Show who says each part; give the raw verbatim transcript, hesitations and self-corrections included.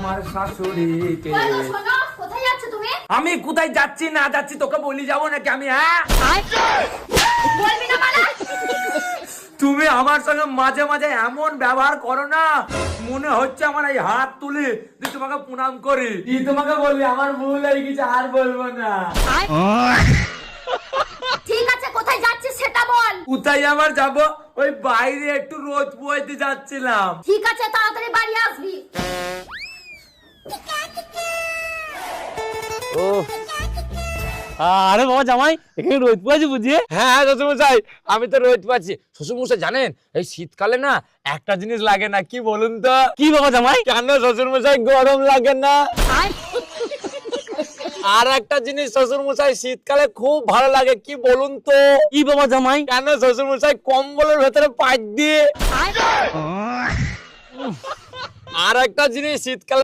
Speaker 1: আমার শাশুড়িকে।
Speaker 2: বলো, শোনো, কোথায় যাচ্ছ তুমি?
Speaker 1: আমি কোথায় যাচ্ছি না যাচ্ছি তোকে বলি যাবো নাকি আমি? হ্যাঁ,
Speaker 2: বলবি না মানে?
Speaker 1: তুমি আমার সঙ্গে মাঝে মাঝে এমন ব্যবহার করো না, মনে হচ্ছে আমার এই হাত তুলে যে তোমাকে প্রণাম করি। কি তোমাকে বলবি, আমার ভুল হয়ে গেছে, আর বলবো না।
Speaker 2: ঠিক আছে, কোথায় যাচ্ছিস সেটা বল।
Speaker 1: কোথায় আবার যাব, ওই বাইরে একটু রোদ পোয়াইতে যাচ্ছিলাম।
Speaker 2: ঠিক আছে, তাড়াতাড়ি বাড়ি আসবি।
Speaker 3: ও আরে বাবা জামাই, এখানে রোদ পোয়াছে বুঝিয়ে?
Speaker 1: হ্যাঁ শ্বশুর মশাই, আমি তো রোদ পাচ্ছি। শ্বশুর মশাই জানেন, এই শীতকালে না একটা জিনিস লাগে না, কি বলুন তো?
Speaker 3: কি বাবা জামাই?
Speaker 1: কেন শ্বশুর মশাই গরম লাগে না? আর একটা জিনিস শ্বশুর মশাই শীতকালে খুব ভালো লাগে, কি বলুন তো?
Speaker 3: কি বাবা জামাই?
Speaker 1: কেন শ্বশুর মশাই কম্বলের ভেতরে পাঁচ দিয়ে। আর একটা জিনিস শীতকালে